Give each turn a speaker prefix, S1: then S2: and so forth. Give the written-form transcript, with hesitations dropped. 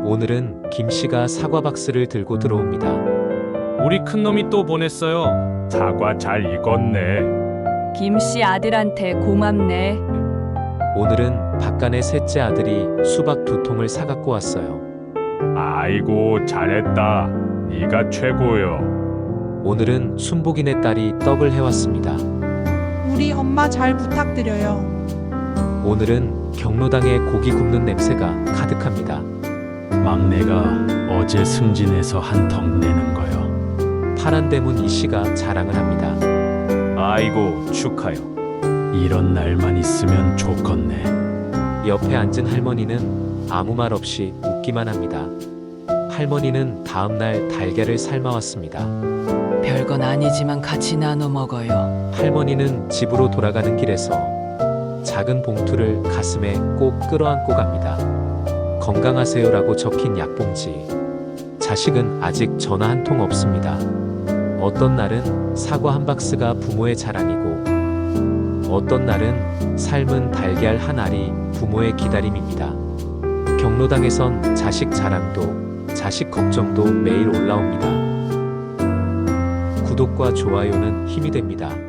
S1: 오늘은 김 씨가 사과 박스를 들고 들어옵니다.
S2: 우리 큰놈이 또 보냈어요.
S3: 사과 잘 익었네.
S4: 김씨 아들한테 고맙네.
S1: 오늘은 박간의 셋째 아들이 수박 2통을 사갖고 왔어요.
S3: 아이고 잘했다. 네가 최고요.
S1: 오늘은 순복이네 딸이 떡을 해왔습니다.
S5: 우리 엄마 잘 부탁드려요.
S1: 오늘은 경로당에 고기 굽는 냄새가 가득합니다.
S6: 막내가 어제 승진해서 한턱 내는 거요.
S1: 파란 대문 이씨가 자랑을 합니다.
S2: 아이고 축하요.
S6: 이런 날만 있으면 좋겠네.
S1: 옆에 앉은 할머니는 아무 말 없이 웃기만 합니다. 할머니는 다음날 달걀을 삶아왔습니다.
S7: 별건 아니지만 같이 나눠 먹어요.
S1: 할머니는 집으로 돌아가는 길에서 작은 봉투를 가슴에 꼭 끌어안고 갑니다. 건강하세요라고 적힌 약봉지. 자식은 아직 전화 한 통 없습니다. 어떤 날은 사과 한 박스가 부모의 자랑이고, 어떤 날은 삶은 달걀 한 알이 부모의 기다림입니다. 경로당에선 자식 자랑도, 자식 걱정도 매일 올라옵니다. 구독과 좋아요는 힘이 됩니다.